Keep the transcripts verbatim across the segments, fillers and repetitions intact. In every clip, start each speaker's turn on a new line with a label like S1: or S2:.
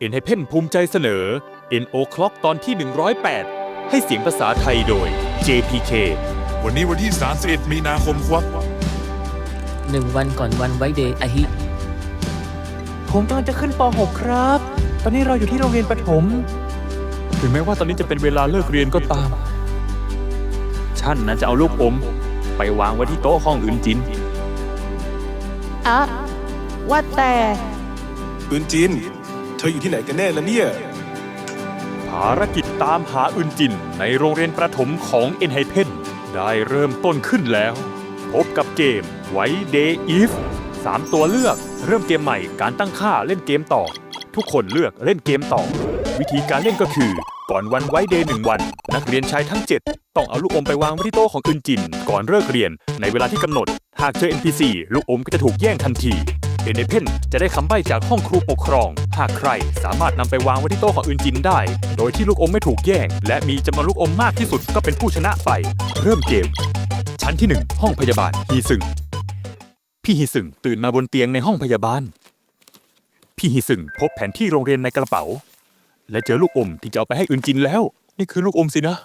S1: เอ็น ไฮ เพน ภูมิใจเสนอ เอ็น โอ Clock ตอนที่ หนึ่งร้อยแปด ให้เสียงภาษาไทยโดย เจ พี เค
S2: วันนี้วันที่สามสิบเอ็ดมีนาคมครับ
S3: หนึ่งวันก่อนวันไว้เดย์อาฮิ
S4: ผมกำลังจะขึ้นป หก ครับ ตอนนี้เราอยู่ที่โรงเรียนประถม
S1: ถึงแม้ว่าตอนนี้จะเป็นเวลาเลิกเรียนก็ตามฉันนั้นจะเอาลูกอมไปวางไว้ที่โต๊ะห้องอื่นจิน
S4: อะว่าแต่
S2: ปืนจิน เธออยู่ที่ไหนกันแน่ละเนี่ย
S1: ภารกิจตามหาอึนจินในโรงเรียนประถมของ เอ็น ไฮ เพน ได้เริ่มต้นขึ้นแล้ว พบกับเกมไว้เดย์อีฟสามตัวเลือกเริ่มเกมใหม่การตั้งค่าเล่นเกมต่อ ทุกคนเลือกเล่นเกมต่อ วิธีการเล่นก็คือก่อนวันไว้เดย์หนึ่งวัน นักเรียนชายทั้งเจ็ดต้องเอาลูกอมไปวางไว้ที่โต๊ะของอึนจินก่อนเลิกเรียนในเวลาที่กำหนดหากเจอ เอ็น พี ซี ลูกอมก็จะถูกแย่งทันที เอ็น ไฮ เพน จะได้คำใบ้จากห้องครูปกครองหากใครสามารถนำไปวางไว้ที่โต๊ะของอึนจินได้โดยที่ลูกอมไม่ถูกแย่งและมีจำนวนลูกอมมากที่สุดก็เป็นผู้ชนะไปเริ่มเกมชั้นที่หนึ่งห้องพยาบาลฮีซึงพี่ฮีซึงตื่นมาบนเตียงในห้องพยาบาลพี่ฮีซึงพบแผนที่โรงเรียนในกระเป๋าและเจอลูกอมที่จะเอาไปให้อึนจินแล้วนี่คือลูกอมสินะ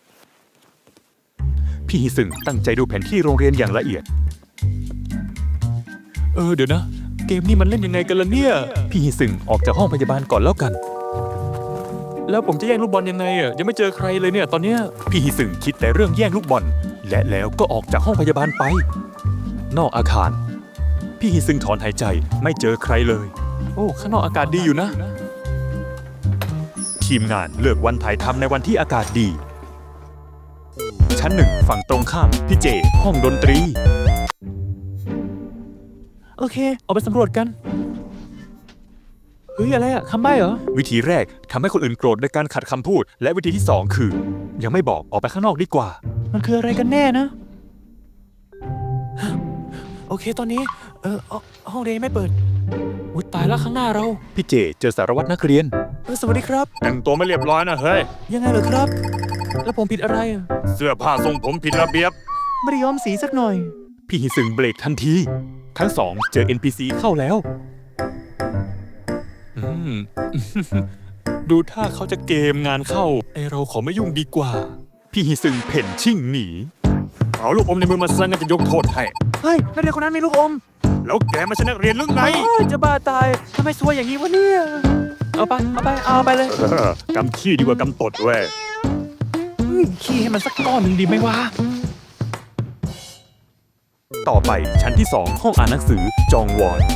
S1: พี่ฮีซึงตั้งใจดูแผนที่โรงเรียนอย่างละเอียดเออเดี๋ยวนะเกมนี้มันเล่นยังไงกันล่ะเนี่ยพี่ฮีซึงออกจากห้องพยาบาลก่อนแล้วกันแล้วผมจะแย่งลูกบอลยังไงอ่ะยังไม่เจอใครเลยเนี่ยตอนเนี้ยพี่ฮีซึงคิดแต่เรื่องแย่งลูกบอลและแล้วก็ออกจากห้องพยาบาลไปนอกอาคารพี่ฮีซึงถอนหายใจไม่เจอใครเลยโอ้ข้างนอกอากาศดีอยู่นะทีมงานเลือกวันถ่ายทำในวันที่อากาศดีชั้นหนึ่งฝั่งตรงข้ามพี่เจห้องดนตรีโอเคออกไปสำรวจกันเฮ้ยอะไรอะคำใบ้เหรอวิธีแรกทำให้คนอื่นโกรธด้วยการขัดคำพูดและวิธีที่สองคือยังไม่บอกออกไปข้างนอกดีกว่ามันคืออะไรกันแน่นะโอเคตอนนี้เออห้องเรียนไม่เปิดอุ๊ยตายแล้วข้างหน้าเราพี่เจเจอสารวัตรนักเรียนเออสวัสดีครับแต่งตัวไม่เรียบร้อยนะเฮ้ยยังไงเหรอครับแล้วผมผิดอะไรเสื้อผ้าทรงผมผิดระเบียบไม่ได้ย้อมสีสักหน่อยพี่ฮิซึงเบรกทันทีทั้งสองเจอ เอ็น พี ซี เข้าแล้วอืม ดูท่าเขาจะเกมงานเข้าไอเราขอไม่ยุ่งดีกว่าพี่ฮิซึงเพ่นชิ่งหนีเอาลูกอมในมือมาซะงั้นจะยกโทษให้เฮ้ยนักเรียนคนนั้นมีลูกอมแล้วแกไม่ใช่นักเรียนหรือไงจะบ้าตายทำไมซวยอย่างนี้วะเนี่ยเอาไปเอาไปเอาไปเลยกำขี้ดีกว่ากำตดเว้ยขี้ให้มันสักก้อนหนึ่งดีไหมวะต่อไปชั้นที่สองห้องอ่านหนังสือจองวอน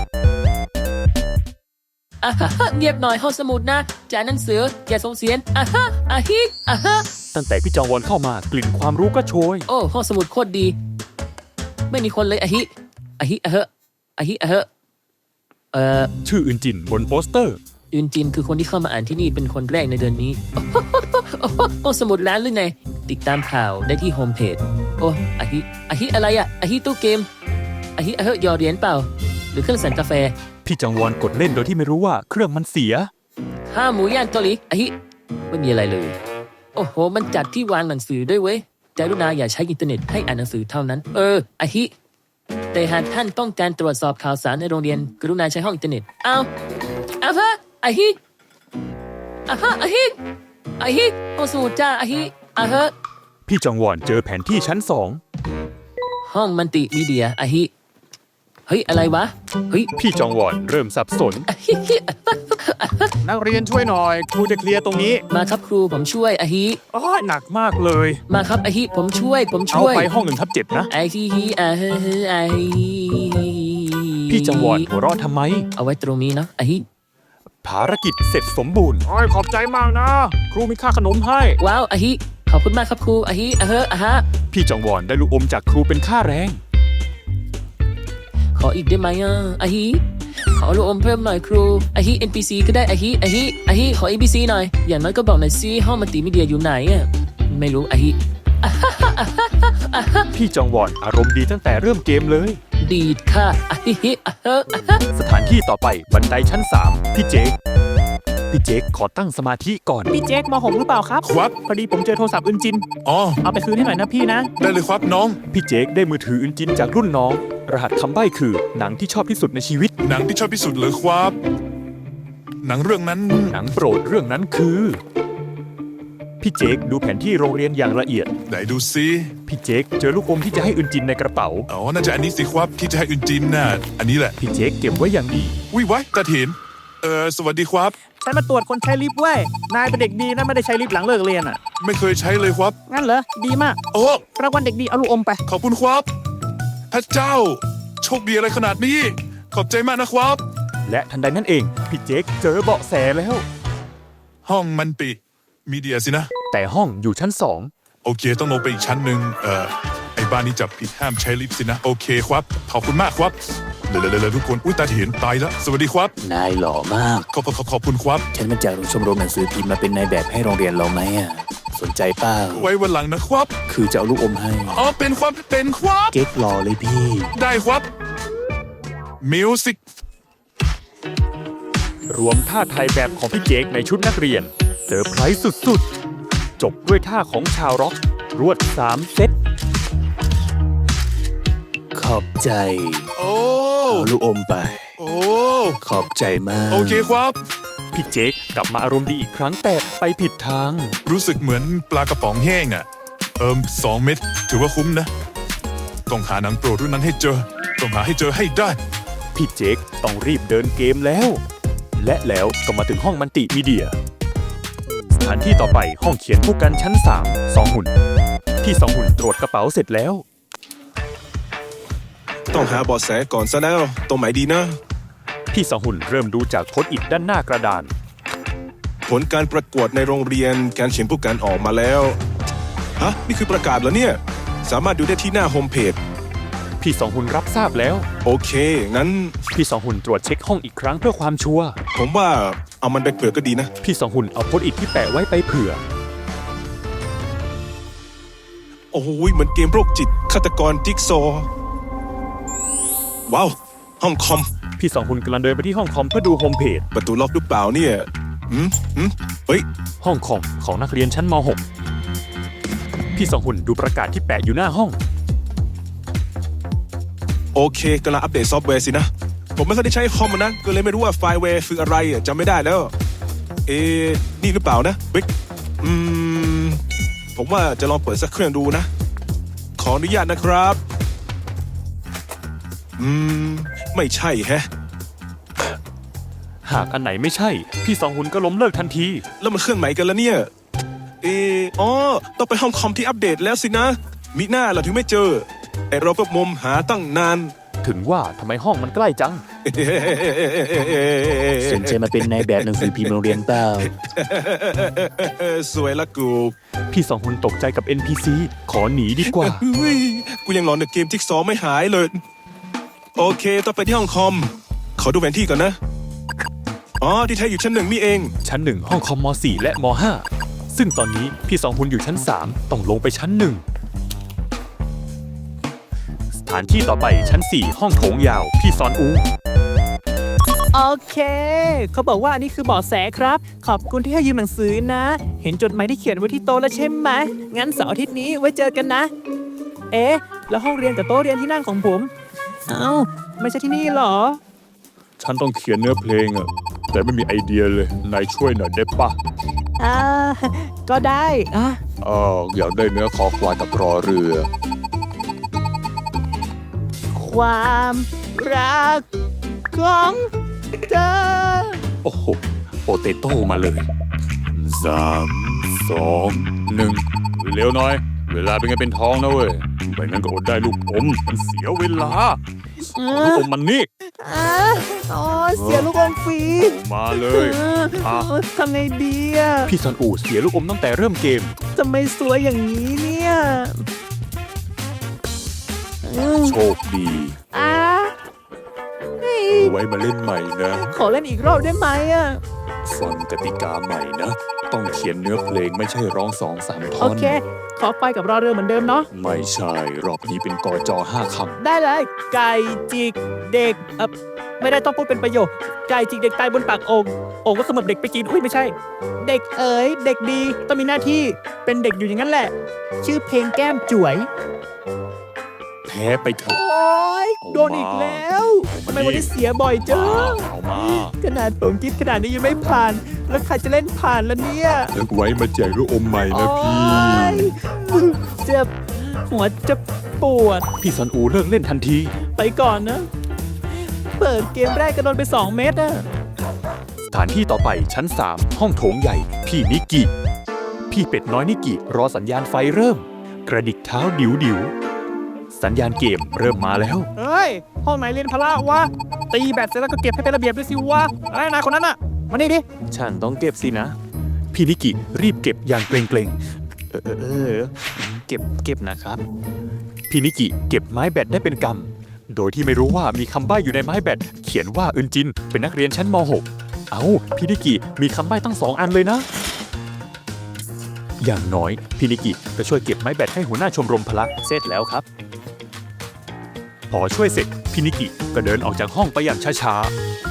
S3: อ่ะฮะเงียบหน่อยห้องสมุดนะจ่ายหนังสืออย่าส่งเสียงอ่ะฮะอาฮิอ่ะฮะ
S1: ตั้งแต่พี่จองวอนเข้ามากลิ่นความรู้ก็โชย
S3: โอ้ห้องสมุดโคตรดีไม่มีคนเลยอาฮิอาฮิอ่ะฮะอาฮิอ่ะฮะเอ่อ
S1: ชื่ออึนจินบนโปสเตอร์
S3: อึนจินคือคนที่เข้ามาอ่านที่นี่เป็นคนแรกในเดือนนี้ห้องสมุดร้านหรือไงติดตามข่าวได้ที่โฮมเพจโอ้อาฮิอาฮิอะไรอะอาฮิตู้เกมอาฮิอ่ะฮะหยอดเหรียญเปล่าหรือเครื่องสั่นกาแฟ
S1: พี่จองวอนกดเล่นโดยที่ไม่รู้ว่าเครื่องมันเสีย
S3: ข้าหมูย่างเกาหลีอาฮิไม่มีอะไรเลยโอ้โหมันจัดที่วางหนังสือด้วยเว้ยกรุณาอย่าใช้อินเทอร์เน็ตให้อ่านหนังสือเท่านั้นเอออาฮิแต่หากท่านต้องการตรวจสอบข่าวสารในโรงเรียนกรุณาใช้ห้องอินเทอร์เน็ตอ้าวอ้าวฮะอาฮิอ้าวฮะอาฮิอาฮิห้องสมุดจ้าอาฮิอ้าวฮะ
S1: พี่จองวอนเจอแผนที่ชั้นสอง
S3: ห้องมัลติมีเดียอาฮิเฮ้ยอะไรวะเฮ้ย
S1: พี่จองวอนเริ่มสับสนนักเรียนช่วยหน่อยครูจะเคลียร์ตรงนี้
S3: มาครับครูผมช่วยอาฮิ
S1: อ๋อหนักมากเลย
S3: มาครับอาฮิผมช่วยผมช่วย
S1: เอาไปห้องหนึ่งทับเจ็ดนะ
S3: อาฮิอาฮิอาฮิ
S1: พี่จองวอนหัวเราะทำไม
S3: เอาไว้ตรงนี้นะอาฮิ
S1: ภารกิจเสร็จสมบูรณ์โอ้ยขอบใจมากนะครูมีค่าขนมให้
S3: ว้าวอาฮิขอบคุณมากครับครูอาฮิอ่ะฮะอ่ะฮะ
S1: พี่จองวอนได้ลูกอมจากครูเป็นค่าแรง
S3: ขออีกได้ไหมอ่ะอาฮิขอลูกอมเพิ่มหน่อยครูอาฮิ เอ็น พี ซี ก็ได้อาฮิอาฮิอาฮิขอ เอ็น พี ซี หน่อยอย่างน้อยก็บอกหน่อยซิห้องมัลติมีเดียอยู่ไหนอ่ะไม่รู้อาฮิ
S1: พี่จองวอนอารมณ์ดีตั้งแต่เริ่มเกมเลย
S3: ดีดค่ะอาฮิอ่ะฮะอ่ะฮะ
S1: สถานที่ต่อไปบันไดชั้นสามพี่เจคพี่เจคขอตั้งสมาธิก่อน
S4: พี่เจคมหกหรือเปล่าครับ
S2: ครับ
S4: พอดีผมเจอโทรศัพท์อึนจิน
S2: อ๋อ
S4: เอาไปคืนให้หน่อยนะพี่นะ
S2: ได้เลยครับน้อง
S1: พี่เจคได้มือถืออึนจินจากรุ่นน้องรหัสคำใบ้คือหนังที่ชอบที่สุดในชีวิต
S2: หนังที่ชอบที่สุดเลยครับ
S5: หนังเรื่องนั้น
S1: หนังโปรดเรื่องนั้นคือ พี่เจคดูแผนที่โรงเรียนอย่างละเอียด
S5: ไหนดูซิ
S1: พี่เจคเจอลูกอมที่จะให้อึนจินในกระเป๋า
S5: อ๋อน่าจะอันนี้สิครับที่จะให้อึนจินน่ะอันนี้แหละ
S1: พี่เจคเก็บไว้อย่างดี
S5: วิไว้ตาเถินเออสวัสดีครับ
S4: ฉันมาตรวจคนใช้ลิฟต์เว้ย นายเป็นเด็กดีนะไม่ได้ใช้ลิฟต์หลังเลิกเรียนอ่ะ
S5: ไม่เคยใช้เลยครับ
S4: งั้นเหรอ ดีมาก
S5: โอ้
S4: รางวัลเด็กดีเอาลูกอมไป
S5: ขอบคุณครับ พระเจ้า โชคดีอะไรขนาดนี้ ขอบใจมากนะครับ
S1: และทันใดนั้นเอง พี่เจคเจอเบาะแสแล้ว
S5: ห้องมันปิมีเดียสินะ
S1: แต่ห้องอยู่ชั้นสอง
S5: โอเค ต้องลงไปอีกชั้นหนึ่งเอ่อไอ้บ้านนี้จับผิดห้ามใช้ลิฟต์สินะ โอเคครับ ขอบคุณมากครับเลยวๆๆทุกคน อุ้ยตาเห็นตายแล้ว สวัสดีครับ
S6: นายหล่อมาก
S5: ขอบขอบขอบคุณครับ
S6: ฉันมาจากชมรมหนังสือพิมพ์มาเป็นนายแบบให้โรงเรียนเราไหมอ่ะ สนใจเปล่า
S5: ไว้วันหลังนะครับ
S6: คือจะเอาลูกอมให้
S5: อ๋อ เป็นความเป็นครับ
S6: เก๊กหล่อเลยพี่
S5: ได้ครับ มิวสิก
S1: รวมท่าไทยแบบของพี่เจคในชุดนักเรียนเซอร์ไพรส์สุดๆ จบด้วยท่าของชาวร็อกรวดสามเซต
S6: ขอบใจ
S5: โอ้
S6: เอาลูกอมไป
S5: โอ้
S6: ขอบใจมาก
S5: โอเคครับ
S1: พี่เจคกลับมาอารมณ์ดีอีกครั้งแต่ไปผิดทาง
S5: รู้สึกเหมือนปลากระป๋องแห้งอ่ะ เอิมสองเม็ดถือว่าคุ้มนะ ต้องหาหนังโปรดรุ่นนั้นให้เจอ ต้องหาให้เจอให้ได้
S1: พี่เจคต้องรีบเดินเกมแล้ว และแล้วก็มาถึงห้องมัลติมีเดีย สถานที่ต่อไปห้องเขียนผู้กันชั้นสามสองหุ่น ที่สองหุ่นตรวจกระเป๋าเสร็จแล้ว
S2: ต้องหาเบาะแสก่อนซะแล้วตรงไหนดีนะ
S1: พี่สองหุ่นเริ่มดูจากโพสต์อิทด้านหน้ากระดาน
S2: ผลการประกวดในโรงเรียนการเขียนผู้การออกมาแล้วฮะนี่คือประกาศเหรอเนี่ย สามารถดูได้ที่หน้าโฮมเพจ
S1: พี่สองหุ่นรับทราบแล้ว
S2: โอเค งั้น
S1: พี่สองหุ่นตรวจเช็คห้องอีกครั้งเพื่อความชัวร์
S2: ผมว่าเอามันไปเปิดก็ดีนะ
S1: พี่สองหุ่นเอาโพสต์อิทที่แปะไว้ไปเผื่อ
S2: โอ้โหเหมือนเกมโรคจิตฆาตกรจิ๊กซอว์ว้าว ห้องคอม
S1: พี่สองหุ่นกำลังเดินไปที่ห้องคอมเพื่อดูโฮมเพจ
S2: ประตูล็อกหรือเปล่าเนี่ยหืมหืมเฮ้ย
S1: ห้องคอมของนักเรียนชั้นม หก พี่สองหุ่นดูประกาศที่แปะอยู่หน้าห้อง
S2: โอเคกำลังอัปเดตซอฟต์แวร์สินะ ผมไม่เคยได้ใช้คอมนะ ก็เลยไม่รู้ว่าไฟล์แวร์คืออะไรอ่ะจำไม่ได้แล้ว เอ๊ะนี่หรือเปล่านะบิ๊กอืม ผมว่าจะลองเปิดสักเครื่องดูนะ ขออนุญาตนะครับ อืม ไม่ใช่แฮะ
S1: หากอันไหนไม่ใช่ พี่สองหุ่นก็ล้มเลิกทันที
S2: แล้วมันเครื่องไหนกันละเนี่ย เอออ๋อ ต้องไปห้องคอมที่อัปเดตแล้วสินะ มิหน้าเราถึงไม่เจอ แต่เราก็มมหาตั้งนาน
S1: ถึงว่าทำไมห้องมันใกล้จัง
S6: สนใจมาเป็นนายแบบหนังสือพิมพ์โรงเรียนเปล่า
S2: สวยละกู
S1: พี่สองหุ่นตกใจกับ เอ็น พี ซี ขอหนีดีกว่า
S2: เฮ้ยกูยังหลอนในเกมจิ๊กซอว์ไม่หายเลย โอเคต้องไปที่ห้องคอม ขอดูแผนที่ก่อนนะ อ๋อ ที่แท้อยู่ชั้นหนึ่งนี่เอง
S1: ชั้นหนึ่งห้องคอมม สี่ และม ห้า ซึ่งตอนนี้พี่สองหุ่นอยู่ชั้นสามต้องลงไปชั้นหนึ่ง สถานที่ต่อไปชั้นสี่ห้องโถงยาว พี่ซอนอู
S4: โอเค เขาบอกว่าอันนี้คือเบาะแสครับ ขอบคุณที่ให้ยืมหนังสือนะ เห็นจดหมายที่เขียนไว้ที่โต๊ะแล้วใช่ไหม งั้นเสาร์อาทิตย์นี้ไว้เจอกันนะ เอ๊ะ แล้วห้องเรียนกับโต๊ะเรียนที่นั่งของผม เอ้า ไม่ใช่ที่นี่เหรอ
S1: ฉันต้องเขียนเนื้อเพลงอะแต่ไม่มีไอเดียเลย นายช่วยหน่อยได้ปะ
S4: อ่า ก็ได้อ่ะ
S1: เอออยากได้เนื้อคอควายกับรอเรือ
S4: ความรักของเธอ
S1: โอ้โห โปเตโต้มาเลยสามสองหนึ่งเร็วหน่อย เวลาเป็นไงเป็นทองนะเว้ยไม่งั้นก็อดได้ลูกอม มันเสียเวลาเอาลูกอมมันนี่
S4: อ่ะอ๋อเสียลูกอมฟรี
S1: มาเลย
S4: เออ
S1: อ่ะ
S4: เออทำไงดีอ่ะ
S1: พี่ซอนอูเสียลูกอมตั้งแต่เริ่มเกม
S4: ทำไมสวยอย่างนี้เนี่ยอืม
S1: โชคดี
S4: อ่ะเฮ้ย
S1: ไว้มาเล่นใหม่นะ
S4: ขอเล่นอีกรอบได้ไหมอ่ะ
S1: ฟังกติกาใหม่นะ ต้องเขียนเนื้อเพลงไม่ใช่ร้องสองสามท่
S4: โอ
S1: อน
S4: เค ขอไปกับรอเรือเหมือนเดิมเนาะ
S1: ไม่ใช่ รอบนี้เป็นกอจอห้าค
S4: ได้เลย ไก่จิกเด็กเออไม่ได้ต้องพูดเป็นประโยค ไก่จิกเด็กตายบนปากโอ่งโอ่งก็เสมือบเด็กไปกิน อุ้ยไม่ใช่ เด็กเอ๋ย เด็กดี ต้องมีหน้าที่ เป็นเด็กอยู่อย่างนั้นแหละ ชื่อเพลงแก้มจ๋วย
S1: ำ แผพ้ไปเถอะ
S4: โอ๊ยโดนอีกแล้วทำไมวันนี้เสียบ่อยจัง
S1: เอามา
S4: ขนาดผมคิดขนาดนี้ยังไม่ผ่าน แล้วใครจะเล่นผ่านล่ะเนี่ย
S1: นึกไว้มาแจกลูกอมใหม่นะพี่
S4: โอ๊ยเจ็บหัวจะปวด
S1: พี่ซันอูเลิกเล่นทันที
S4: ไปก่อนนะ เปิดเกมแรกก็โดนไปสองเม็ดอะ
S1: สถานที่ต่อไปชั้น สาม ห้องโถงใหญ่ พี่นิกิ พี่เป็ดน้อยนิกิรอสัญญาณไฟเริ่ม กระดิกเท้าดิวดิวสัญญาณเกมเริ่มมาแล้ว
S4: เฮ้ย ห้องไหนเรียนพละวะ ตีแบตเสร็จแล้วก็เก็บให้เป็นระเบียบด้วยสิวะอะไรนายคนนั้นอะมานี่ดิ
S1: ฉันต้องเก็บสินะ พี่นิกิรีบเก็บอย่างเกรงเกรงๆเออเออเออเก็บเก็บนะครับ พี่นิกิเก็บไม้แบตได้เป็นกำโดยที่ไม่รู้ว่ามีคำใบ้อยู่ในไม้แบตเขียนว่าอึนจินเป็นนักเรียนชั้นม หก เอ้าพี่นิกิมีคำใบ้ตั้งสองอันเลยนะ อย่างน้อยพี่นิกิก็ช่วยเก็บไม้แบตให้หัวหน้าชมรมพละเสร็จแล้วครับ พอช่วยเสร็จพี่นิกิก็เดินออกจากห้องไปอย่างช้า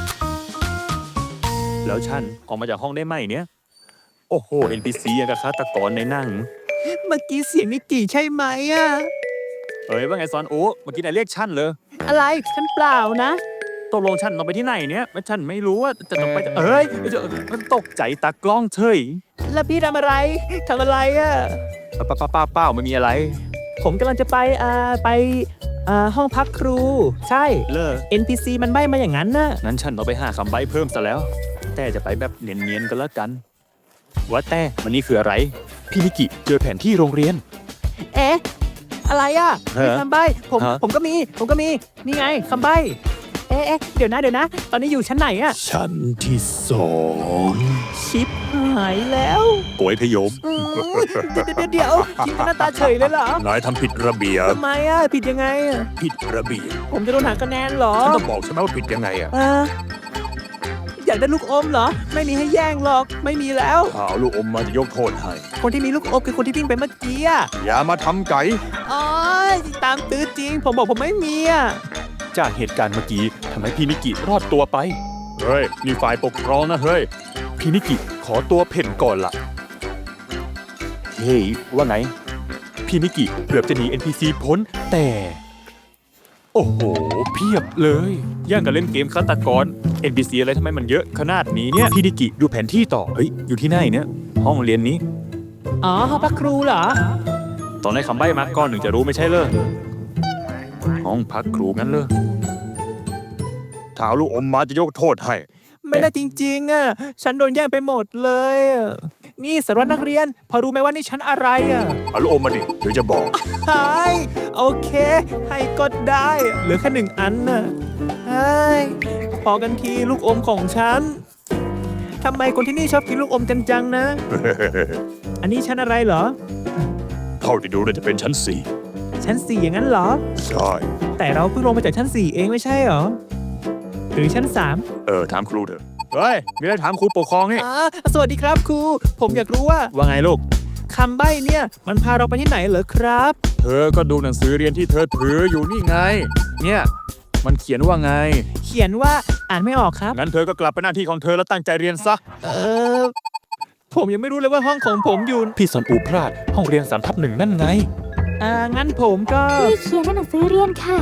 S1: ๆ แล้วฉันออกมาจากห้องได้ไหมเนี่ย โอ้โห เอ็น พี ซี อย่างกับฆาตกรในหนัง
S4: เมื่อกี้เสียงนิกกี้ใช่ไหมอะ
S1: เอ้ยว่าไงซอนโอ้เมื่อกี้นายเรียกฉันเลย
S4: อะไรฉันเปล่านะ
S1: ตกลงฉันต้องไปที่ไหนเนี่ยไม่ฉันไม่รู้ว่าจะต้องไปเอ้ยจะมันตกใจตากล้องเฉย
S4: แล้วพี่ทำอะไรทำอะไรอะ
S1: ป้าป้าป้าเป้าไม่มีอะไร
S4: ผมกำลังจะไปอ่าไปอ่าห้องพักครู ใช่
S1: เลิก
S4: เอ็น พี ซี มันใบ้มาอย่างนั้นน่ะ
S1: นั้นฉันต้องไปหาคำใบ้เพิ่มซะแล้ว แต่จะไปแบบเนียนๆก็แล้วกัน ว่าแต่มันนี่คืออะไร พี่นิกิเจอแผนที่โรงเรียน
S4: เอ๊ะ อะไรอ่ะ
S1: ฮะ
S4: มีคำใบ้ผม
S1: ฮะ
S4: ผมก็มี ผมก็มี นี่ไงคำใบ้เอ๊ะเอ๊ะเดี๋ยวนะเดี๋ยวนะ ตอนนี้อยู่ชั้นไหนอ่ะ
S1: ชั้นที่สอง
S4: ชิปหายแล้ว
S1: โกยพยม
S4: อืมเดี๋ยวเดี๋ยวเดี๋ยวชิปหน้าตาเฉยเลยเหรอน
S1: ายทำผิดระเบียบ
S4: ทำไมอ่ะ ผิดยังไงอ่ะ
S1: ผิดระเบียบ
S4: ผมจะโดนหักคะแนนเหรอ
S1: ฉันต้องบอกใช่ไหมว่าผิดยังไงอะ
S4: อ่าอยากได้ลูกอมเหรอ ไม่มีให้แย่งหรอก ไม่มีแล้ว
S1: ถ้าเอาลูกอมมาจะยกโทษให้
S4: คนที่มีลูกอมคือคนที่วิ่งไปเมื่อกี้อ่ะ
S1: อย่ามาทำไก่
S4: อ๋อตามตื้อจริง ผมบอกผมไม่มีอ่ะ
S1: จากเหตุการณ์เมื่อกี้ทำให้พี่นิกิรอดตัวไป เฮ้ย นี่ฝ่ายปกครองนะเฮ้ย พี่นิกิขอตัวเพ่นก่อนละ เฮ้ย ว่าไง พี่นิกิเกือบจะหนี เอ็น พี ซี พ้นแต่ โอ้โห เพียบเลยย่างกับเล่นเกมฆาตกร เอ็น พี ซี อะไรทำไมมันเยอะขนาดนี้เนี่ย พี่นิกิดูแผนที่ต่อ เฮ้ย อยู่ที่ไหนเนี่ย ห้องเรียนนี้
S4: อ๋อห้องพักครูเหรอ
S1: ตอนให้คำใบ้มาก่อนหนึ่งจะรู้ไม่ใช่เลยห้องพักครูงั้นเลยถ้าเอาลูกอมมาจะยกโทษให้
S4: ไม่ได้จริงๆอ่ะ ฉันโดนแย่งไปหมดเลยอะนี่สารวัตรนักเรียน พอรู้ไหมว่านี่ฉันอะไรอ่ะ
S1: เอาลูกอมมาดิเดี๋ยวจะบอก
S4: ใช่โอเค ให้ก็ได้ เหลือแค่หนึ่งอันน่ะใช่พอกันทีลูกอมของฉันทำไมคนที่นี่ชอบกินลูกอมกันจังนะ อันนี้ชั้นอะไรเหรอ
S1: เท่าที่ดูน่าจะเป็นชั้นสี่
S4: ชั้นสี่อย่างนั้นเหรอ
S1: ใช่
S4: แต่เราเพิ่งลงมาจากชั้นสี่เองไม่ใช่เหรอ หรือชั้นสาม
S1: เออถามครูเถอะเฮ้ยมีอะไรถามครูปกครองนี่
S4: อ่าสวัสดีครับครู ผมอยากรู้ว่า
S1: ว่าไงลูก
S4: คำใบ้เนี่ย มันพาเราไปที่ไหนเหรอครับ
S1: เธอก็ดูหนังสือเรียนที่เธอถืออยู่นี่ไง เนี่ย มันเขียนว่าไง
S4: เขียนว่าอ่านไม่ออกครับ
S1: งั้นเธอก็กลับไปหน้าที่ของเธอแล้วตั้งใจเรียนซะ
S4: เออ ผมยังไม่รู้เลยว่าห้องของผมอยู่
S1: พี่สอนอูพลาดห้องเรียนสามทับหนึ่งนั่นไง
S4: อ่า งั้นผมก็
S7: พี่เขียนในหนังสือเรียนค่ะ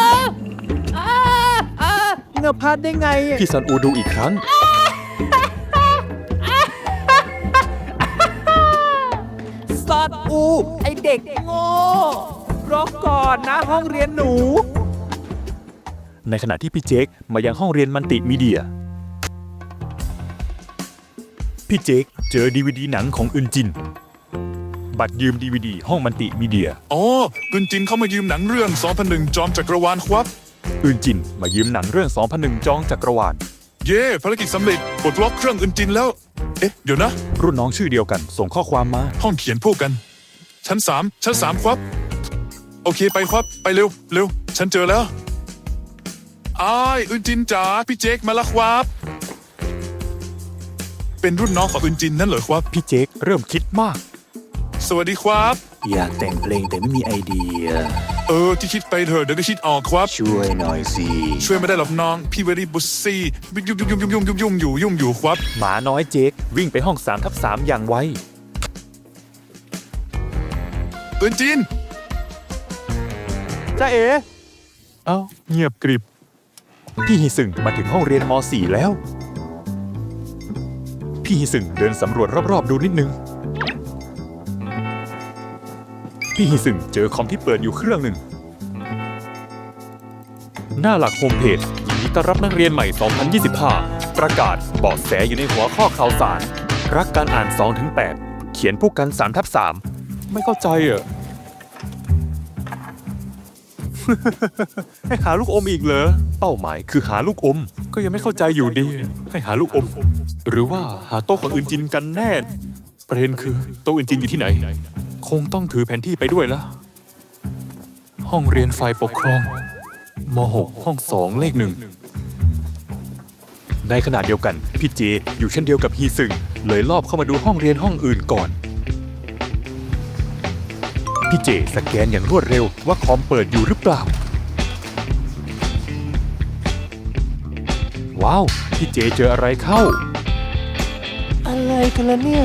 S4: เงือบพลาดได้ไงอะ
S1: พี่สอนอูดูอีกครั้ง
S4: สัตว์อู ไอเด็กโง่รอก่อนนะห้องเรียนหนู
S1: ในขณะที่พี่เจคมายังห้องเรียนมันติมีเดีย พี่เจคเจอดีวดีหนังของอึนจิน บัตรยืมดีวดีห้องมันติมีเดีย
S5: อ๋อกุนจินเข้ามายืมหนังเรื่องสองพันหนึ่งจอมจักรวาลครับ
S1: อึนจินมายืมหนังเรื่อง สองพันหนึ่ง จองจักรวาล
S5: เย่ภารกิจสำเร็จปลดล็อกเครื่องอึนจินแล้ว เอ๊ะ เดี๋ยวนะ
S1: รุ่นน้องชื่อเดียวกันส่งข้อความมา
S5: ห้องเขียนพวกกัน ชั้นสามชั้นสามครับ โอเคไปครับ ไปเร็วเร็ว ฉันเจอแล้วอ้ายอึนจินจ๋าพี่เจคมาแล้วครับ เป็นรุ่นน้องของอึนจินนั่นเหรอครับ
S1: พี่เจคเริ่มคิดมาก
S5: สวัสดีครับ
S6: อยากแต่งเพลงแต่ไม่มีไอเดีย
S5: เออที่คิดไปเถอะเดี๋ยวก็คิดออกครับ
S6: ช่วยหน่อยสิ
S5: ช่วยไม่ได้หรอกน้อง พี่เวรี่บุซซี่ยุ่งยุ่งยุ่งยุ่งยุ่งยุ่งอยู่ยุ่งอยู่ครับ
S1: หมาน้อยเจควิ่งไปห้อง สามทับสาม อย่างไว
S5: อึนจิน
S1: จ้าเอ๋เอ้าเงียบกริบ พี่ฮิซึงมาถึงห้องเรียนม .สี่ แล้ว พี่ฮิซึงเดินสำรวจรอบๆดูนิดนึง พี่ฮิซึงเจอคอมที่เปิดอยู่เครื่องหนึ่ง หน้าหลักโฮมเพจยินดีต้อนรับนักเรียนใหม่ สองพันยี่สิบห้า ประกาศเบาะแสอยู่ในหัวข้อข่าวสาร รักการอ่าน สองถึงแปด เขียนพวกกัน สามทับสาม ไม่เข้าใจอ่ะ ให้หาลูกอมอีกเหรอ เป้าหมายคือหาลูกอม ก็ยังไม่เข้าใจอยู่ดี ให้หาลูกอม หรือว่าหาโต๊ะของอื่นจินกันแน่ ประเด็นคือโต๊ะอื่นจินอยู่ที่ไหน คงต้องถือแผนที่ไปด้วยละห้องเรียนฝ่ายปกครองม .หก ห้องสองเลขหนึ่ง ในขณะเดียวกัน พี่เจอยู่เช่นเดียวกับฮีซึงเลยลอบเข้ามาดูห้องเรียนห้องอื่นก่อน พี่เจสแกนอย่างรวดเร็วว่าคอมเปิดอยู่หรือเปล่า ว้าว พี่เจเจออะไรเข้า
S4: อะไรกันล่ะเนี่ย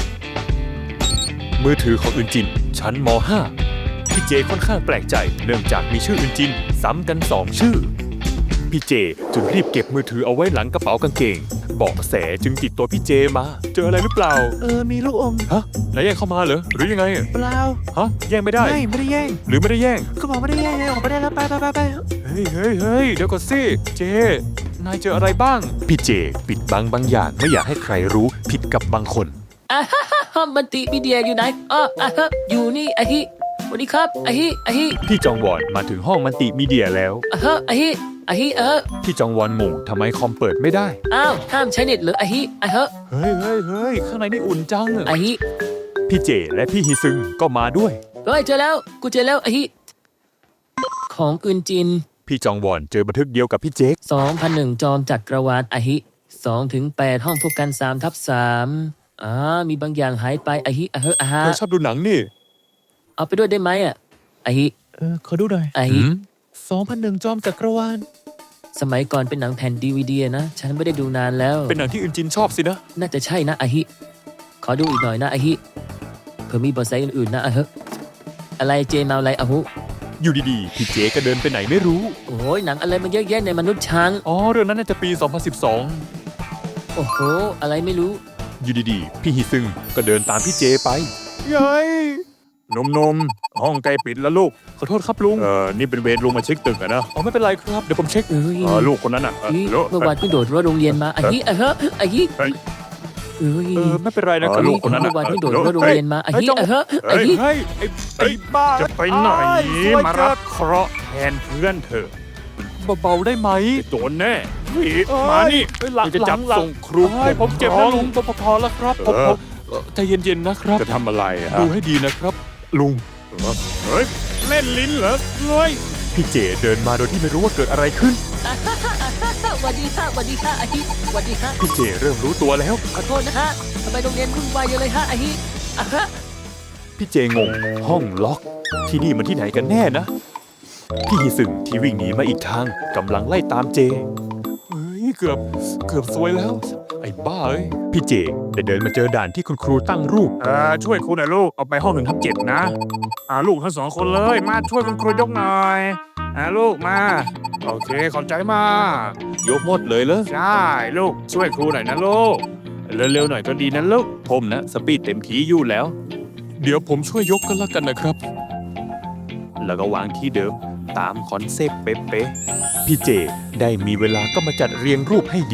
S1: มือถือของอึนจิน ชั้นม .ห้า พี่เจค่อนข้างแปลกใจเนื่องจากมีชื่ออึนจินซ้ำกันสองชื่อ พี่เจจึงรีบเก็บมือถือเอาไว้หลังกระเป๋ากางเกงเบาะแสจึงติดตัวพี่เจมา เจออะไรหรือเปล่า
S4: เออ มีลูกอม
S1: ฮะนายแย่งเข้ามาเหรอหรือยังไง
S4: เปล่า
S1: ฮะแย่งไม่ได้
S4: ไม่ ไม่ได้แย่ง
S1: หรือไม่ได้แย่ง
S4: เขาบอกไม่ได้แย่งไงออกไปได้แล้วไปไปไปไป
S1: เฮ้ยเฮ้ยเฮ้ยเดี๋ยวก่อนสิ เจ นายเจออะไรบ้าง พี่เจ ปิดบังบางอย่างไม่อยากให้ใครรู้ผิดกับบางคน
S3: อ่ะฮะฮะฮะมันติมีเดียอยู่ไหนอ๋ออ่ะฮะอยู่นี่อาฮิสวัสดีครับอาฮิอาฮิ
S1: พี่จองวอนมาถึงห้องมันติมีเดียแล้ว
S3: อ่ะฮะอาฮิอาฮิเออ
S1: พี่จองวอนงงทำไมคอมเปิดไม่ได้
S3: อ้าวห้ามใช้เน็ตเหรืออาฮิอ่ะฮะ
S1: เฮ้ยเฮ้ยเฮ้ยข้างในนี่อุ่นจัง
S3: อาฮิ
S1: พี่เจและพี่ฮิซึงก็มาด้วย
S3: เฮ้ยเจอแล้วกูเจอแล้วอาฮิของกึนจิน
S1: พี่จองวอนเจอบันทึกเดียวกับพี่เจค
S3: สองพันหนึ่งจอมจักรวาลอาฮิสองถึงแปดห้องพบกันสามทับสามอ่ามีบางอย่างหายไปอาฮิอ่ะเฮะอ่ะฮะ
S1: เธอชอบดูหนังนี่
S3: เอาไปด้วยได้ไหมอ่ะอาฮิ
S4: เออ ขอดูหน่อย
S3: อาฮิ
S4: สองพันหนึ่งจอมจักรวาล
S3: สมัยก่อนเป็นหนังแผ่นดีวีดีนะ ฉันไม่ได้ดูนานแล้ว
S1: เป็นหนังที่อึนจินชอบสินะ
S3: น่าจะใช่นะอาฮิ ขอดูอีกหน่อยนะอาฮิเผื่อมีเบอร์ไซต์อื่นๆนะอะเฮะอะไรเจมาอะไรอะฮุ
S1: อยู่ดีๆ พี่เจก็เดินไปไหนไม่รู้
S3: โอ้ยหนังอะไรมันเยอะแยะในมนุษย์ช้าง
S1: อ๋อ เรื่องนั้นน่าจะปี สองพันสิบสอง
S3: โอ้โห อะไรไม่รู้
S1: อยู่ดีๆ พี่ฮิซึงก็เดินตามพี่เจไปเย้ยนมนมห้องใกล้ปิดแล้วลูก ขอโทษครับลุง เออ นี่เป็นเวรลุงมาเช็คตึกอะนะ อ๋อ ไม่เป็นไรครับ เดี๋ยวผมเช็ค
S3: เอ้ย
S1: เออลูกคนนั้นอะเออ
S3: เฮ้ย
S1: ลูก
S3: เมื่อวานเพิ่งโดดรั้วโรงเรียนมาอาฮิอะเฮะอาฮิ
S1: เฮ้ย
S3: เอ้ย
S1: เออ ไม่เป็นไรนะค
S3: เฮ้
S1: รับ
S3: ย
S1: ลูกคนนั้น
S3: เมื่
S1: อะ
S3: อวานเพิ่งโดดรั้วโรงเรียนมาอาฮิอะเฮะอา
S1: เฮ้ย
S3: ฮิ
S1: เฮ้ยไอ้ไอ้บ้า
S5: จะไปไหน
S1: อ้ย
S5: มารับเคราะห์แทนเพื่อนเธอ
S1: เบาๆได้ไหม
S5: โดนแน่เฮ้ย
S1: เอ้ย
S5: มานี่
S1: เอ้ยหลัง
S5: จะจับ
S1: หลัง
S5: ส่งครู
S1: เอ้ยผมเจ็บนะลุงพอพอแล้วครับผม
S5: เออ
S1: ผมเอ่อใจเย็นๆนะครับ
S5: จะทำอะไรอะ
S1: ดูให้ดีนะครับ ลุง
S5: เฮ้ยเล่นลิ้นเหรอเฮ้ย
S1: พี่เจเดินมาโดยที่ไม่รู้ว่าเกิดอะไรขึ้น
S3: สวัสดีค่ะสวัสดีค่ะอาฮิสวัสดีค่ะ
S1: พี่เจเริ่มรู้ตัวแล้ว
S3: ขอโทษนะฮะทำไมโรงเรียนวุ่นวายเยอะเลยฮะอาฮิอะฮะ
S1: พี่เจงง ห้องล็อก ที่นี่มันที่ไหนกันแน่นะ พี่ฮิซึงที่วิ่งหนีมาอีกทางกำลังไล่ตามเจ เฮ้ย เกือบ เกือบซวยแล้ว ไอ้บ้าเอ้ย พี่เจได้เดินมาเจอด่านที่คุณครูตั้งรูป
S5: เออช่วยครูหน่อยลูก เอาไปห้องหนึ่งทับเจ็ดนะ อ่าลูกทั้งสองคนเลย มาช่วยคุณครูยกหน่อย อ่าลูกมา โอเค ขอบใจมาก
S1: ยกหมดเลยเหรอ
S5: ใช่ลูก ช่วยครูหน่อยนะลูก เร็วๆหน่อยก็ดีนะลูก
S1: ผมนะ สปีดเต็มที่อยู่แล้ว เดี๋ยวผมช่วยยกกันละกันนะครับ แล้วก็วางที่เดิมตามคอนเซปต์เป๊ะๆพี่เจได้มีเวลาก็มาจัดเรียงรูปให้ดี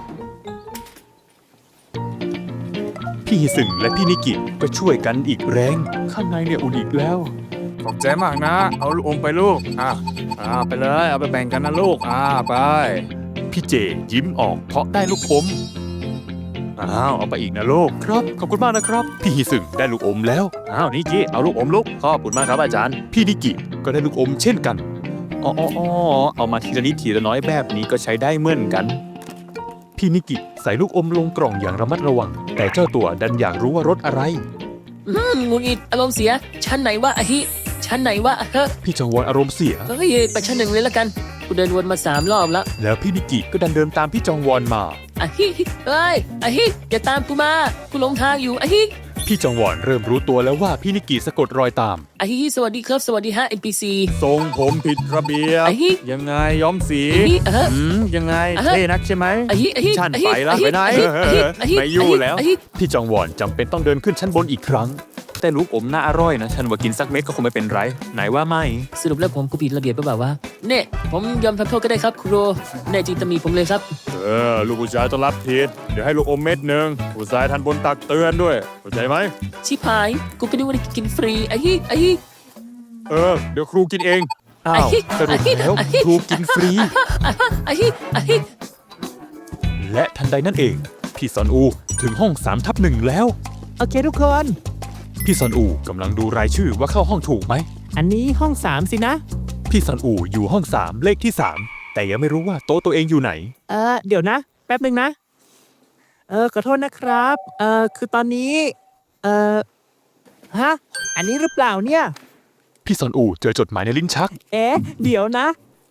S1: พี่ฮิซึงและพี่นิกิก็ช่วยกันอีกแรง ข้างในเนี่ยอุ่นอีกแล้ว
S5: ขอบใจมากนะ เอาลูกอมไปลูก อ่าอ่าไปเลย เอาไปแบ่งกันนะลูก อ่าไป
S1: พี่เจยิ้มออกเพราะได้ลูกอม อ้าว เอาไปอีกนะลูกครับ ขอบคุณมากนะครับ พี่ฮิซึงได้ลูกอมแล้ว
S5: อ้าวนิกิเอาลูกอมลูก ขอบคุณมากครับอาจารย์
S1: พี่นิกิก็ได้ลูกอมเช่นกัน อ๋ออ๋ออ๋อเอามาทีละนิดทีละน้อยแบบนี้ก็ใช้ได้เหมือนกัน พี่นิกิใส่ลูกอมลงกล่องอย่างระมัดระวัง แต่เจ้าตัวดันอยากรู้ว่ารสอะไร
S3: อืมหงุดหงิดอารมณ์เสีย ชั้นไหนวะอาฮิชั้นไหนวะอะเฮะ
S1: พี่จงวอนอารมณ์เสีย
S3: เฮ้ยไปชั้นหนึ่งเลยละกัน กูเดินวนมาสามรอบแล้ว
S1: แล้วพี่นิกิก็ดันเดินตามพี่จองวอนมา
S3: อะฮิเอ้ยอะฮิอย่าตามกูมา กูหลงทางอยู่อะฮิ
S1: พี่พี่จองวอนเริ่มรู้ตัวแล้วว่าพี่นิกิสะกดรอยตาม
S3: อะฮิสวัสดีครับ สวัสดีฮะ เอ็น พี ซี
S7: ทรงผมผิดระเบียบ
S3: ไอ้ฮิ
S7: ยังไงย้อมสี
S3: อะฮิอะฮะ
S7: อืมยังไง
S3: อ่ะฮะ
S7: เท่นักใช่ไหม
S3: อะฮิอะฮิ
S7: ฉัน
S3: อะฮิ
S7: ไปละ
S3: อะฮิ
S7: ไปไหน
S3: อะฮิอะฮิอะฮิ
S7: ไม่อยู่แล้ว
S3: อะฮิ
S1: พี่จองวอนจำเป็นต้องเดินขึ้นชั้นบนอีกครั้ง
S7: แต่ลูกอมน่าอร่อยนะ ฉันว่ากินสักเม็ดก็คงไม่เป็นไร ไหนว่าไม่
S3: สรุปแล้วผมกูผิดระเบียบหรือเปล่าวะเนี่ยผมยอมทำโทษก็ได้ครับครูแน่จริงตำหนิผมเลยครับ
S7: เออ ลูกผู้ชายต้องรับผิดเดี๋ยวให้ลูกอมเม็ดหนึ่งผู้ชายทันบนตักเตือนด้วยเข้าใจไหม
S3: ชิบหาย กูก็นึกว่าได้กินฟรีอะฮิอะฮิ
S7: เออ เดี๋ยวครูกินเอง
S1: อ้าวสรุปแล้วครูกินฟรี
S3: อะฮิอะฮิ
S1: และทันใดนั่นเอง พี่ซอนอูถึงห้องสามทับหนึ่งแล้ว
S4: โอเคทุกคน
S1: พี่ซอนอูกำลังดูรายชื่อว่าเข้าห้องถูกไหม
S4: อันนี้ห้องสามสินะ
S1: พี่ซอนอูอยู่ห้องสามเลขที่สามแต่ยังไม่รู้ว่าโต๊ะตัวเองอยู่ไหน
S4: เออเดี๋ยวนะ แป๊บหนึ่งนะ เออขอโทษนะครับ เออคือตอนนี้ เออฮะ อันนี้หรือเปล่าเนี่ย
S1: พี่ซอนอูเจอจดหมายในลิ้นชัก
S4: เอ๊ะ เดี๋ยวนะ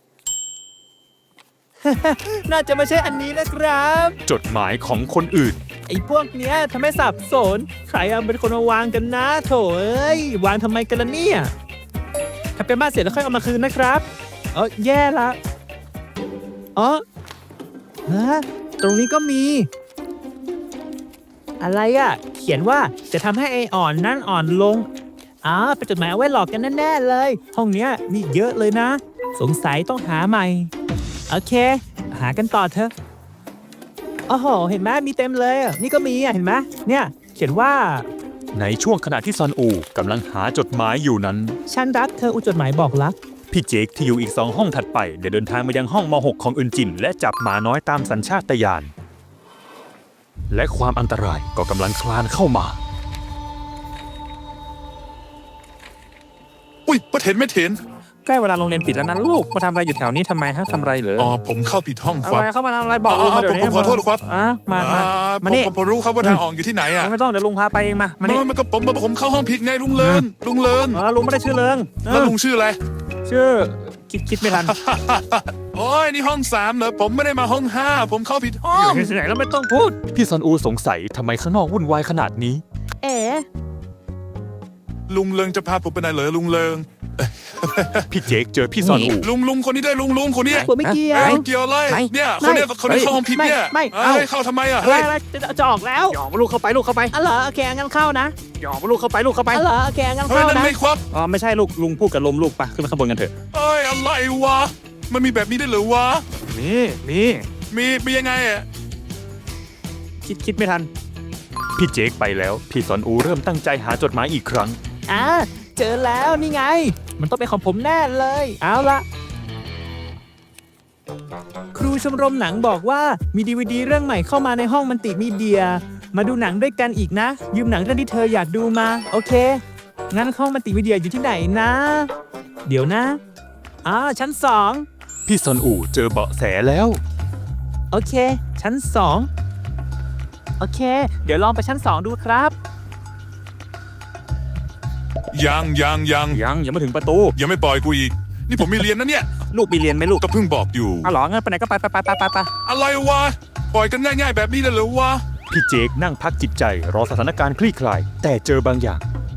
S4: น่าจะไม่ใช่อันนี้นะครับ
S1: จดหมายของคนอื่น
S4: ไอ้พวกเนี้ยทำให้สับสน ใครเอาเป็นคนมาวางกันนะโถเอ้ย วางทำไมกันล่ะเนี่ยถ้าเป็นบ้านเสร็จแล้วค่อยเอามาคืนนะครับ เออแย่ละอ๋อฮะตรงนี้ก็มี อะไรอะ่ะ เขียนว่าจะทำให้ไออ่อนนั่นอ่อนลงอ๋อเป็นจดหมายเอาไว้หลอกกันแน่ๆเลย ห้องเนี้ยมีเยอะเลยนะ สงสัยต้องหาใหม่ โอเค หากันต่อเถอะโอ้โห เห็นไหมมีเต็มเลยอ่ะนี่ก็มีอ่ะ เห็นไหมเนี่ย เขียนว่า
S1: ในช่วงขณะที่ซอนอูกำลังหาจดหมายอยู่นั้น
S4: ฉันรักเธออุจดหมายบอกรัก
S1: พี่เจคที่อยู่อีกสองห้องถัดไปได้เดินทางมายังห้องม .หก ของอึนจิน และจับหมาน้อยตามสัญชาตญาณและความอันตรายก็กำลังคลานเข้ามา
S5: อุ้ยป้าเถนไม่เถน
S7: ใกล้เวลาโรงเรียนปิดแล้วนะลูก มาทำอะไรอยู่แถวนี้ทำไมฮะทำอะไรเหรอ
S5: อ๋อผมเข้าผิดห้อง
S7: อะ
S5: ครั
S7: ไร
S5: บ
S7: เข้ามาทำอะไรบอก
S5: อ๋
S7: ลุ
S5: อง
S7: มาเดี๋ยวนี้
S5: ผมขอโทษครับ
S7: อ่ะมามา
S5: อ่า
S7: มานี่
S5: ผมผมรู้ครับว่าทางออกอยู่ที่ไหนอ่ะ
S7: ไม่ต้องเดี๋ยวลุงพาไปเองมามา
S5: มัน
S7: นี่
S5: มันก็ผมผมเข้าห้องผิดไงลุงเลินลุงเลิน
S7: เออลุงไม่ได้ชื่อเลิงเอ
S5: แล้ว
S7: อ
S5: ลุงชื่ออะไร
S7: ชื่อคิดคิดไม่ทัน
S5: โอ้ยนี่ห้องสามเหรอผมไม่ได้มาห้องห้าผมเข้าผิดห้อง
S7: ที่ไหนแล้วไม่ต้องพูด
S1: พี่ซอนอูสงสัยทำไมข้างนอกวุ่นวายขนาดนี้
S4: เอ๋
S5: ลุงเลิงจะพาผมไปไหนเหรอลุงเลิง
S1: พี่เจคเจอพี่ซอนอู
S5: ลุงลุงคนนี้ได้ลุงลุงคนนี้
S4: ผมไม่เกี่ยว
S5: เอ้ยเกี่ยวอะไร
S7: ไหน
S5: เนี่ยคนเนี้ยคนนี้เข้าห้องผิดเนี่ย
S4: ไม่ไม่
S5: เอ้ย
S4: เอ้า
S5: เข้าทำไมอ่ะ
S4: อะไร
S5: เฮ้ย
S4: อะไรจะจะออกแล้ว
S7: หยอกมาลูกเข้าไปลูกเข้าไป
S4: อ๋อเหรอโอเคงั้นเข้านะ
S7: หยอกมาลูกเข้าไปลูกเข้าไป
S4: อ๋อเหรอโอเคงั้น
S5: เฮ้ย
S4: เข้า
S5: นั่น
S4: นะ
S5: ไม่ควัก
S7: อ๋อไม่ใช่ลูกลุงพูดกับลมลูกปะขึ้นมาข้างบนกันเถอะ
S5: เอ้ยอะไรวะมันมีแบบนี้ได้วยเหรือวะ
S7: นี่นี่
S5: มีมียังไงอ่ะ
S7: คิดคิดไม่ทัน
S1: พี่เจคไปแล้วพี่ซอนอูเริ่มตั้งใจหาจดหมายอีกครั้ง
S4: อ่าเจอแล้วนี่ไง มันต้องเป็นของผมแน่เลย เอาละครูชมรมหนังบอกว่ามีดีวดีเรื่องใหม่เข้ามาในห้องมัลติมีเดีย มาดูหนังด้วยกันอีกนะ ยืมหนังเรื่องที่เธออยากดูมา โอเค งั้นห้องมัลติมีเดียอยู่ที่ไหนนะ เดี๋ยวนะอ่าชั้นสอง
S1: พี่ซอนอูเจอเบาะแสแล้ว
S4: โอเค ชั้นสองโอเค เดี๋ยวลองไปชั้นสองดูครับ
S5: ยังยังยัง
S7: ยังยังไม่ถึงประตู
S5: ยังไม่ปล่อยกูอีก นี่ผมมีเรียนนะเนี่ย
S7: ลูกมีเรียนไหมลูก
S5: ก็เพิ่งบอกอยู่
S7: อ๋อเหรองั้นไปไหนก็ไปไปไปไปไปไป
S5: อะไรวะปล่อยกันง่ายๆแบบนี้เลยเหรอวะ
S1: พี่เจคนั่งพักจิตใจรอสถานการณ์คลี่คลาย แต่เจอบางอย่าง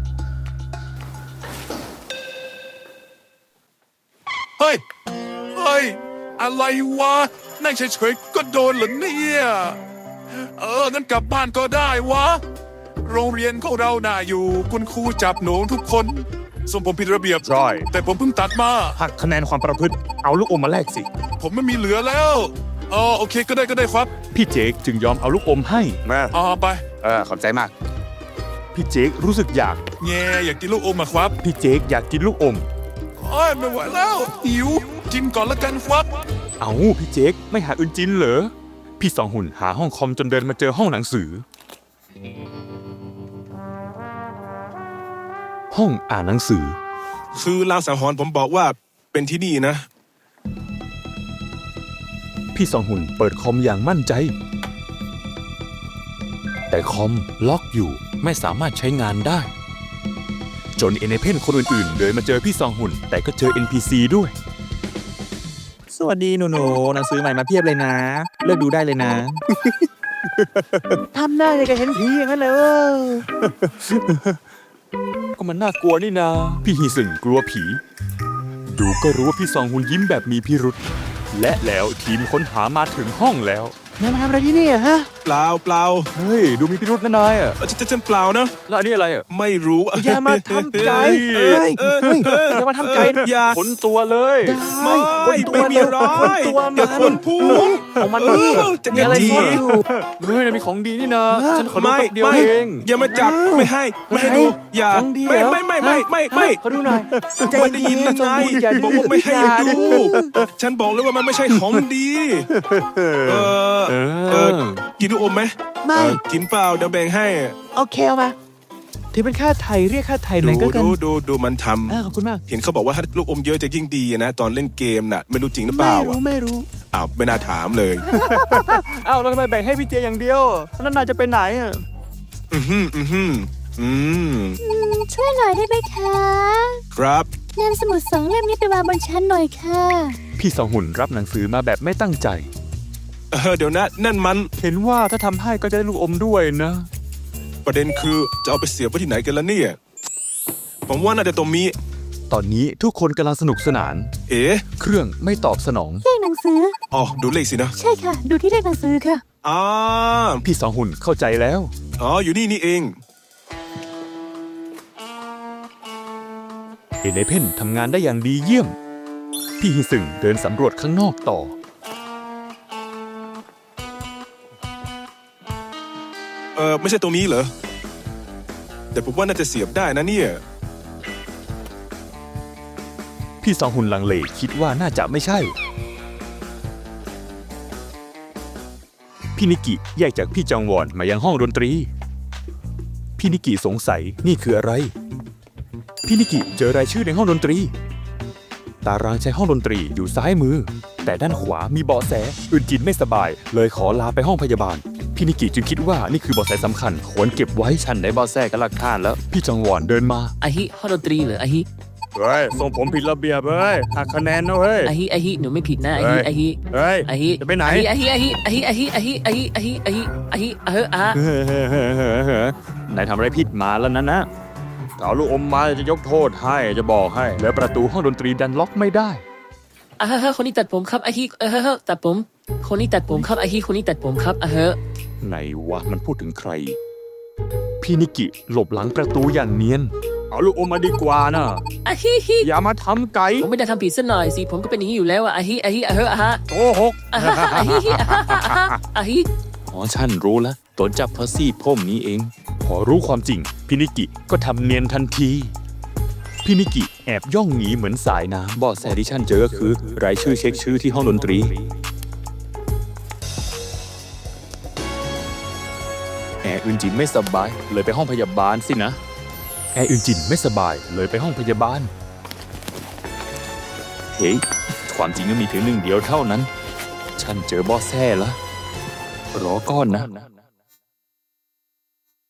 S5: เฮ้ยเฮ้ยอะไรวะนั่งเฉยๆก็โดนเหรอเนี่ยเอองั้นกลับบ้านก็ได้วะโรงเรียนของเราน่าอยู่คุณครูจับหนูทุกคนส่งผมผิดระเบียบ
S7: ใช่
S5: แต่ผมเพิ่งตัดมา
S7: หักคะแนนความประพฤติเอาลูกอมมาแลกสิ
S5: ผมไม่มีเหลือแล้วอ๋อโอเคก็ได้ก็ได้ครับ
S1: พี่เจคจึงยอมเอาลูกอมให้
S7: มา
S5: อ๋อไป
S7: เออขอบใจมาก
S1: พี่เจครู้สึกอยาก
S5: แง่อยากกินลูกอมอะครับ
S1: พี่เจคอยากกินลูกอม
S5: โอ้ยไม่ไหวแล้วหิวกินก่อนละกันครับ
S1: เอาพี่เจคไม่หาอื่นจินเหรอ พี่สองหุ่นหาห้องคอมจนเดินมาเจอห้องหนังสือ ห้องอ่านหนังสือ
S2: คือลางสังหรณ์ผมบอกว่าเป็นที่นี่นะ
S1: พี่สองหุ่นเปิดคอมอย่างมั่นใจ แต่คอมล็อกอยู่ไม่สามารถใช้งานได้ จนเอเนเพนคนอื่นๆเดินมาเจอพี่สองหุ่น แต่ก็เจอ เอ็น พี ซี ด้วย
S7: สวัสดีหนูๆหนังสือใหม่มาเพียบเลยนะ เลือกดูได้เลยนะ
S4: ทำหน้าอย่างกับเห็นผีอย่างนั้นเลยเว้ย
S1: ก็มันน่ากลัวนี่นา พี่ฮีสึงกลัวผี ดูก็รู้ว่าพี่ซองฮุนยิ้มแบบมีพิรุษและแล้วทีมค้นหามาถึงห้องแล้ว
S4: นายมาทำอะไรที่นี่อะฮะ
S2: เปล่าเปล่า
S1: เฮ้ย ดูมีพิรุษนะนายอ่ะ
S2: เออจะจะจะเปล่านะ
S1: แล้วอันนี้อะไรอ่ะ
S2: ไม่รู้
S4: อย่ามาทำใจ
S2: เอ้ย
S4: เอ้ย
S2: เอ้ย
S4: เฮ้ยอย่ามาทำใจนะ
S2: อย่า
S1: ขนตัวเลย
S2: ไม่
S4: คนตัว
S2: ไม่มีอะไร
S4: คนตัวมัน
S2: อย่าคนพูด
S4: ของมันนี่
S2: เออจะ
S4: มีอะไร
S2: ดี
S4: ซ่อนอยู่
S1: เฮ้ยมีของดีนี่นะ ฉันขอดู
S2: ไม่
S1: แป๊บเดียว
S2: ไม่
S1: เอง
S2: อย่ามาจับไม่ให้ไม่ให้ดูอย่า
S4: ของดี
S2: ไม่
S4: เหรอ
S2: ไม่ไม่ไม่ไม่ไม่
S4: ขอดูหน่อยใจ
S2: ไม่ได้ยิน
S4: เย็
S2: นะ
S4: นๆ
S2: ไง
S4: อย่า
S2: บอกว่าไม่ให้ดู ฉันบอกเลยว่ามันไม่ใช่ของดี เออ
S1: เอ
S2: เอ
S1: อ
S2: อกินลูกอมไหม
S4: ไม่
S2: เออกินเปล่าเดี๋ยวแบ่งให้
S4: โอเคเอามาถือเป็นค่าไทยเรียกค่าไทยหน่
S2: ดู
S4: อยก็กัน
S2: ดูดูดูมันท
S4: อ่าขอบคุณมาก
S2: ำเห็นเขาบอกว่าถ้าลูกอมเยอะจะยิ่งดีนะ ตอนเล่นเกมน่ะ ไม่รู้จริงหรือเป
S4: ไม่
S2: ล่า
S4: รู้
S2: อ่ะ
S4: ไม่รู้
S2: อ้าวไม่น่าถามเลย
S4: อ้าวแล้วทำไมแบ่งให้พี่เจอย่างเดียวแล้วนายจะไปไหนอ่ะ
S2: อือหืออือหืออืม
S8: ช่วยหน่อยได้ไหมคะ
S2: ครับ
S8: นำสมุดสองเล่มนี้ไปวางบนชั้นหน่อยค่ะ
S1: พี่ซองหุนรับหนังสือมาแบบไม่ตั้งใจ
S2: เออเดี๋ยวนะนั่นมัน
S1: เห็นว่าถ้าทำให้ก็จะได้ลูกอมด้วยนะ
S2: ประเด็นคือจะเอาไปเสียบไว้ที่ไหนกันล่ะเนี่ย ผมว่าน่าจะตรงนี้
S1: ตอนนี้ทุกคนกำลังสนุกสนาน
S2: เอ๋
S1: เครื่องไม่ตอบสนอง
S8: เลขหนังสือ
S2: อ๋อดูเลขสินะ
S8: ใช่ค่ะ ดูที่เลขหนังสือค่ะ
S2: อ่า
S1: พี่ซองหุนเข้าใจแล้ว
S2: อ๋ออยู่นี่นี่เอง
S1: เอเนเพนทำงานได้อย่างดีเยี่ยม พี่ฮิซึงเดินสำรวจข้างนอกต่อ
S2: เออไม่ใช่ตรงนี้เหรอ แต่ผมว่าน่าจะเสียบได้นะเนี่ย
S1: พี่ซองหุนลังเลคิดว่าน่าจะไม่ใช่ พี่นิกิแยกจากพี่จองวอนมายังห้องดนตรี พี่นิกิสงสัยนี่คืออะไร พี่นิกิเจอรายชื่อในห้องดนตรี ตารางใช้ห้องดนตรีอยู่ซ้ายมือ แต่ด้านขวามีเบาะแสอึนจินไม่สบาย เลยขอลาไปห้องพยาบาล พี่นิกิจึงคิดว่านี่คือเบาะแสสำคัญควรเก็บไว้
S6: ฉันได้บอแซ่กับหลักฐานแล้ว
S1: พี่จองวอนเดินมา
S3: อาฮิห้องดนตรีเหรออาฮิ
S7: เฮ้ยส่งผมผิดระเบียบเฮ้ยหักคะแนนนะเฮ้ย
S3: อาฮิอาฮิหนูไม่ผิดนะอาฮิ
S7: เฮ้ย
S3: อาฮิ
S7: เฮ้ย
S3: อาฮิ
S7: จะไปไหน
S3: อาฮิอาฮิอาฮิอาฮิอาฮิอาฮิอาฮิอาฮิอาฮิเอออะ
S1: เฮ้เฮ้เฮ้เฮ้เฮ้นายทำอะไรผิดมาแล้วนะนะ
S7: เอาลูกอมมาจะยกโทษให้จะบอกให้
S1: แล้วประตูห้องดนตรีดันล็อกไม่ได้
S3: อ่ะฮะคนนี้ตัดผมครับอาฮิเออตัดผม คนนี้ตัดผมครับอาฮิคนนี้ตัดผมครับอ่ะเฮะ
S1: ไหนวะมันพูดถึงใคร พี่นิกิหลบหลังประตูอย่างเนียน
S7: เอาลูกอมมาดีกว่านะ
S3: อาฮิฮิ
S7: อย่ามาทำไก่
S3: ผมไม่ได้ทำผิดซะหน่อยสิผมก็เป็นอย่างนี้อยู่แล้วอะอาฮิอาฮิอะเฮะอะฮะ
S7: โกหก
S3: อะฮะอาฮิฮิอะฮะอะฮะอาฮิ
S6: อ๋อฉันรู้แล้วตนจับเพราะซี่พ่มนี้เอง
S1: พอรู้ความจริง พี่นิกิก็ทำเนียนทันที พี่นิกิแอบย่องหนีเหมือนสายน้
S6: เบาะแสที่ฉันเจอก็คือ รายชื่อเช็คชื่อที่ห้องดนตรี แอร์อื่นจินไม่สบาย เลยไปห้องพยาบาลสินะ
S1: ำแอร์อึนจินไม่สบายเลยไปห้องพยาบาล
S6: เฮ้ย ความจริงก็มีเพียงหนึ่งเดียวเท่านั้น ฉันเจอเบาะแสแล้ว รอก้อนนะ